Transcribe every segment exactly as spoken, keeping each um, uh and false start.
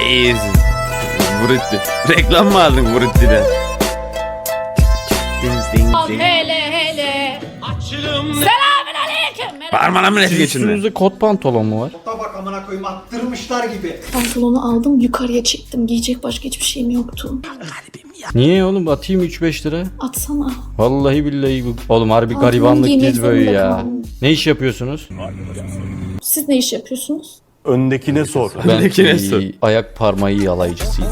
iyisin. Brutti. Reklam mı aldın Brutti'den? Hele hele. Selamün aleyküm. Parmağına mı net geçinme? Üstünüzde kot pantolon mu var? Tabak amına koyayım attırmışlar gibi. Pantolonu aldım yukarıya çektim. Giyecek başka hiçbir şeyim yoktu. Niye oğlum, atayım üç beş lira. Atsana. Vallahi billahi bu. Oğlum harbi Pantolon garibanlık giymek diz böyle zorunda ya. kaldım. Ne iş yapıyorsunuz? Siz ne iş yapıyorsunuz? Öndekine sor. Ben Öndekine e, sor. ayak parmağı yalayıcısıyım.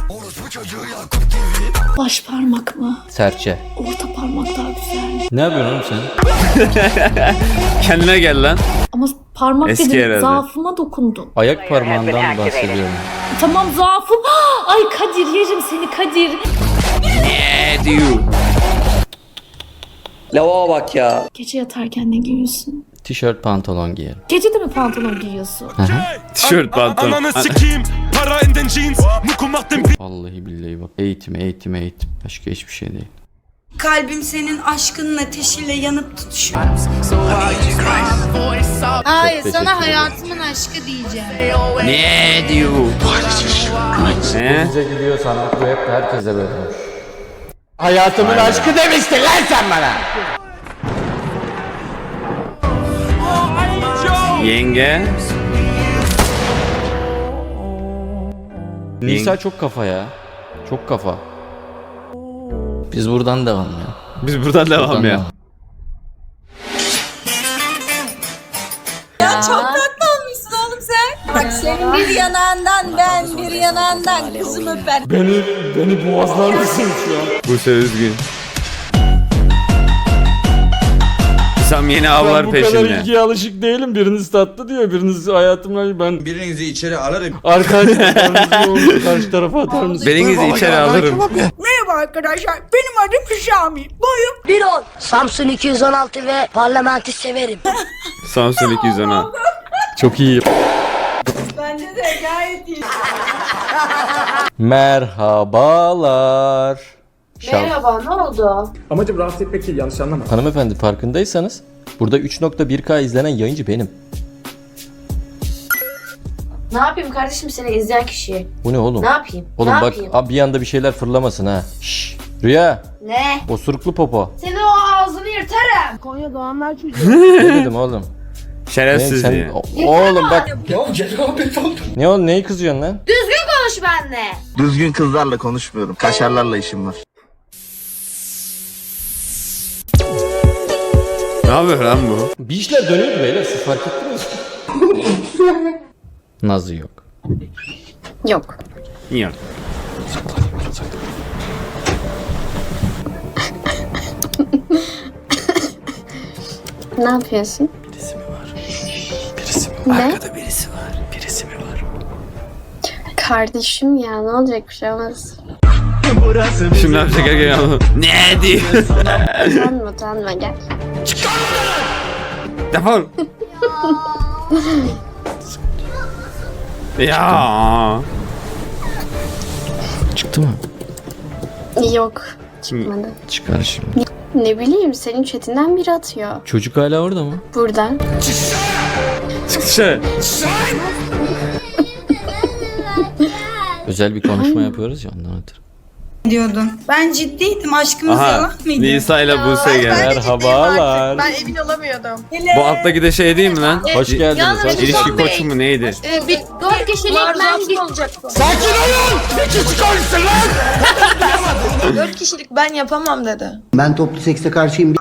Baş parmak mı? Serçe. Orta parmak daha güzel. Ne yapıyorsun oğlum sen? Kendine gel lan. Ama parmak Eski dedim herhalde. zaafıma dokundun. Ayak parmağından bahsediyorum. Tamam zaafım. Ay Kadir yerim seni Kadir. Ne diyor? Lava bak ya. Gece yatarken ne giyiyorsun? Tişört pantolon giyerim. Gece de mi pantolon giyiyorsun? Tişört pantolon. Ananı sikeyim. Para in den jeans. Muku macht den Vallahi billahi bak. Eğitim eğitim eğitim. Başka hiçbir şey değil. Kalbim senin aşkının ateşiyle yanıp tutuşuyor. Hayır Sana hayatımın aşkı diyeceğim. Ne diyor? Ne? Bize gidiyor sandık, bu hep herkese böyle olmuş. Hayatımın aşkı demiştin lan sen bana. Yenge. Nisa çok kafa ya. Çok kafa. Biz buradan devam ya. Biz buradan devam Buradan ya. devam. Ya çok tatlı olmuşsun oğlum sen. Bak senin bir yanağından ben bir yanağından kızım öper. Beni, beni boğazlar mısın şu an? Bu sefer üzgün. Sam yeni Ben avlar bu kadar peşinde. ilgiye alışık değilim. Biriniz tatlı diyor, biriniz hayatımla ben... Birinizi içeri alırım. Arkadaşlarınızı yolunu karşı tarafa atar mısın? Birinizi içeri alırım. Merhaba arkadaşlar benim adım Şami. Boyum Bir on. Samsun iki yüz on altı ve parlamenti severim. Samsun iki yüz on altı. Çok iyi. bence de gayet iyi. Merhabalar. Merhaba. Ne oldu? Amacım rahatsız etmek değil, yanlış anlama. Hanımefendi, farkındaysanız burada üç nokta bir K izlenen yayıncı benim. Ne yapayım kardeşim seni izleyen kişiye? Bu ne oğlum? Ne yapayım? Oğlum ne bak yapayım? abi bir anda bir şeyler fırlamasın ha. Şşş. Rüya. Ne? Osuruklu popo. Senin o ağzını yırtarım. Konya doğanlar çocuğu. Ne dedim oğlum? Ne, Şerefsiz sen, diye. o- oğlum bak. Ya cenabet oldu. Ne oğlum, neyi kızıyorsun lan? Düzgün konuş benimle. Düzgün kızlarla konuşmuyorum. Kaşarlarla işim var. Ne yapıyor lan bu? Bir işler dönüyordu beyler, siz fark ettiniz mi? Nazı yok. Yok. Yok. Ne yapıyorsun? Birisi mi var? Birisi mi var? Ne? Arkada birisi var. Birisi mi var? Kardeşim ya ne olacak bir şey olmaz. Şimdi ne yapacak erkek adam? Ne diyor? Utanma utanma gel. Defol. Ya. Çıktı mı? Yok çıkmadı. Çıkar şimdi. Ne bileyim senin chatinden biri atıyor. Çocuk hala orada mı? Buradan. Çık dışarı. Özel bir konuşma yapıyoruz ya, ondan ötürü. Diyordun. Ben ciddiydim aşkımız Aha. yalan mıydı? Nisa ile Buse geldi. Merhabalar. emin olamıyordum. Bu alttaki de şey değil mi lan? Hoş geldiniz. Hoş İlişki geldiniz. koçu mu neydi? Bir dört kişilik ben Dört kişilik ben yapamam dedi. Ben toplu sekse karşıyım.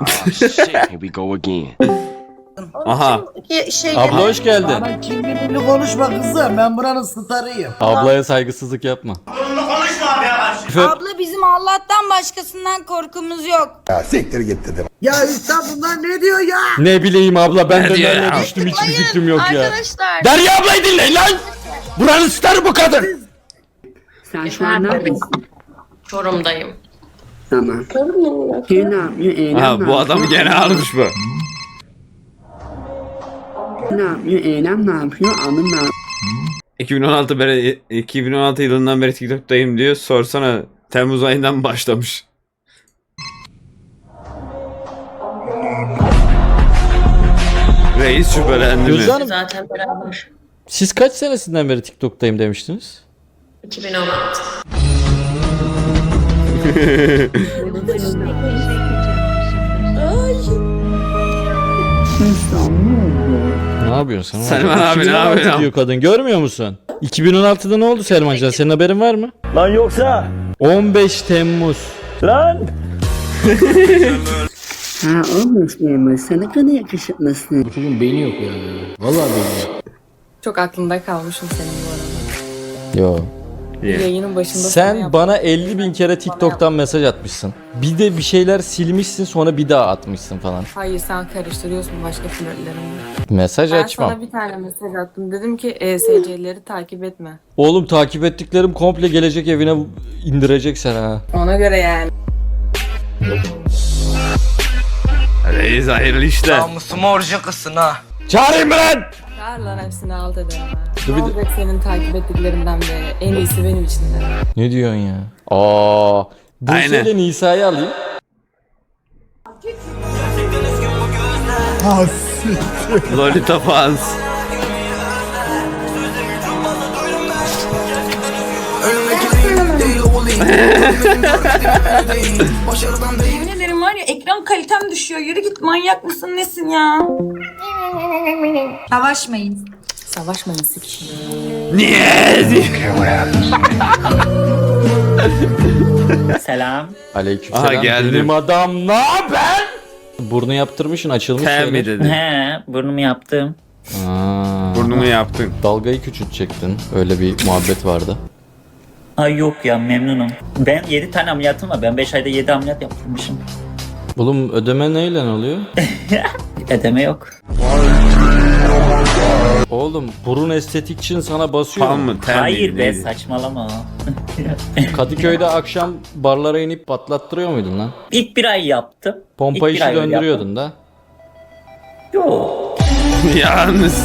Aha. Şey Abla hoş geldin. Kimliğimle konuşma kızım, ben buranın starıyım. Ablaya saygısızlık yapma. Abla bizim Allah'tan başkasından korkumuz yok. Ya üstad bunlar ne diyor ya? Ne bileyim abla, ben de diyor nereye ya? düştüm hiçbir fikrim yok ya. Arkadaşlar. Derya ablayı dinleyin lan! Buranın starı bu kadın! Sen şu an neredesin? Çorum'dayım. Tamam. Şey ne yapıyor? Eylem Ha ne bu adamı gene almış bu. Ne yapıyor? Eylem ne yapıyor? Anım ne yapıyor? iki bin on altı beri iki bin on altı yılından beri TikTok'tayım diyor. Sorsana Temmuz ayından başlamış. Reis şüphelendi mi? Gözde Hanım, Zaten beraber. siz kaç senesinden beri TikTok'tayım demiştiniz? iki bin on altı. Ne yapıyorsun sen? Selman abi, ne iki bin on altı yapıyorsun? diyor kadın, görmüyor musun? iki bin on altıda ne oldu Selmancan? Senin haberin var mı? Lan yoksa. on beş Temmuz. Lan. Ha olmuş memur. Sen ne kadar yakışıklısın. Bu çocuğun beyni yok ya. Vallahi beyni yok. Çok aklımda kalmışım senin bu arada. Yo. Yayının başında sana Sen yaptım. bana elli bin kere TikTok'tan mesaj atmışsın. Bir de bir şeyler silmişsin, sonra bir daha atmışsın falan. Hayır, sen karıştırıyorsun başka flörtlerimle. Mesaj Ben açmam. sana bir tane mesaj attım. Dedim ki E S C'leri takip etme. Oğlum takip ettiklerim komple gelecek evine indirecek sen ha. Ona göre yani. Reis hayırlı işler. Namusuma orucu kızsın ha. Çağırayım mı lan? Çağır lan, hepsini alt ederim ha. Dur Ne bir de- olacak senin takip ettiklerinden de? En iyisi benim için de. Ne diyorsun ya? Aa, Buse Aynen. ile Nisa'yı alayım. Lolita fans. Yemin ederim var ya, ekran kalitem düşüyor. Yürü git, manyak mısın nesin ya? Savaşmayın. Savaşmayın sikişin. Niye? Selam. Aleykümselam. Aha, geldim. Benim adam ne haber? Burnu yaptırmışsın, açılmış Sen mi şeyler. dedin? He, burnumu yaptım. Aa, Burnumu yaptın. dalgayı küçültecektin. Öyle bir muhabbet vardı. Ay yok ya, memnunum. Ben yedi tane ameliyatım var. Ben beş ayda yedi ameliyat yaptırmışım. Oğlum ödeme neyle oluyor? Ödeme yok. Oğlum burun estetik için sana basıyor Fan mu? mı? Ten Hayır miydi, be, neydi? saçmalama. Kadıköy'de akşam barlara inip patlattırıyor muydun lan? İlk bir ay yaptım. Pompa İlk bir işi ay öyle döndürüyordun da. yaptım. Yok. Yalnız.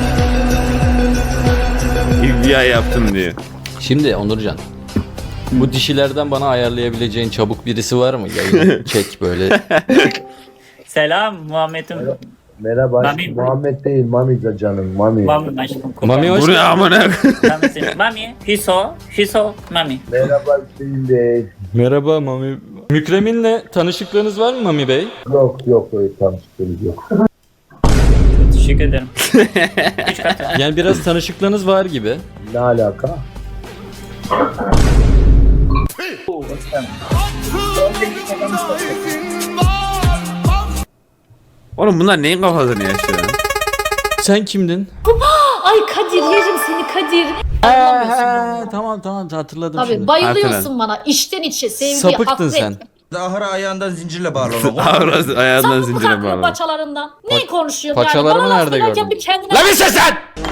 İlk bir ay yaptım diyor. Şimdi Onurcan, bu dişilerden bana ayarlayabileceğin çabuk birisi var mı? Yayını çek böyle. Selam Muhammed'im. Merhaba. Mami. Muhammed değil, Mami'de canım. Mami. Mami aşkım. Mami hoş Bu ne amına? Mami senin. Mami. Hüso. Hüso. Mami. Merhaba Hüseyin Bey. Merhaba Mami. Mükremin'le tanışıklığınız var mı Mami Bey? Yok yok öyle tanıştığımız yok. Teşekkür ederim. Üç katı. Yani biraz tanışıklığınız var gibi. Ne alaka? Oğlum bunlar neyin kafasını yaşıyor? Sen kimdin? Ay Kadir yerim seni Kadir. He, tamam tamam hatırladım Tabii şimdi. bayılıyorsun Hatırladım. bana içten içe sevgi, Sapıktın hasret. sen. Ahıra ayağından zincirle bağlı. Avrası ayağından Sapık zincire kalkıyor bağlı. paçalarından. Ne konuşuyorsun paçalarımı yani? Bana laf nerede söylerken gördün? bir kendine... Lan bir ses sen!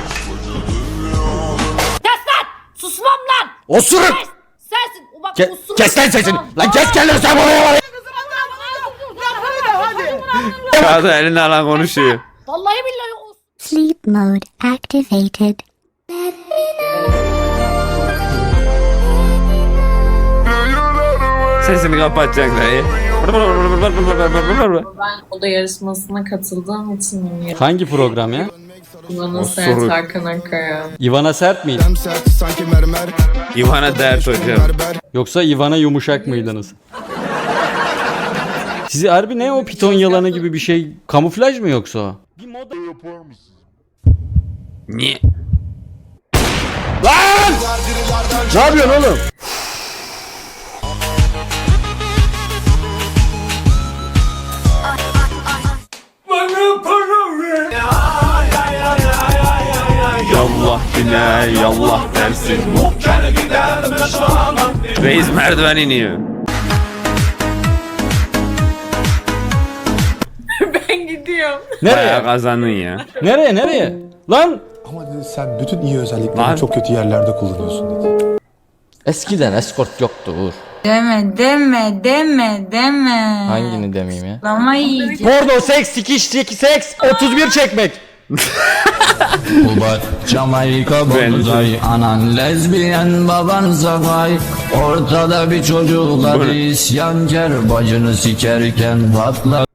Kes lan! Susmam lan! Osuruk! Kes! Sensin! O bak Ke- osuruk. kes lan sesini! Tamam. Lan kes kendini sen buraya! Kağıdı eline alan konuşuyor. Vallahi billahi o... Sleep mode activated. Sesini kapatacak dayı. Ben oda yarışmasına katıldığım için Hangi program ya? Bana Osuruk. Sert Hakan Akkaya. Ivana Sert miydi? İvana dert hocam. Yoksa Ivana Yumuşak mıydınız? Sizi harbi ne o piton yalanı gibi bir şey? Kamuflaj mı yoksa o? Niye? Ne yapıyorsun oğlum? Yallah yine yallah dersin. Reis merdiven iniyor. Ben gidiyorum. Bayağı Nereye? kazandın ya. Nereye nereye? Lan! Ama dedi sen bütün iyi özelliklerini Lan. çok kötü yerlerde kullanıyorsun dedi. Eskiden eskort yoktu Uğur. Deme deme deme deme. Hangini demeyeyim ya? Lama yiyeceğim. Porno, seks, sikiş, seks, seks, otuz bir çekmek. Jamaika bozay, anan lezbiyen, baban zakay. Ortada bir çocuk hadi isyankar, bacını sikerken patlar.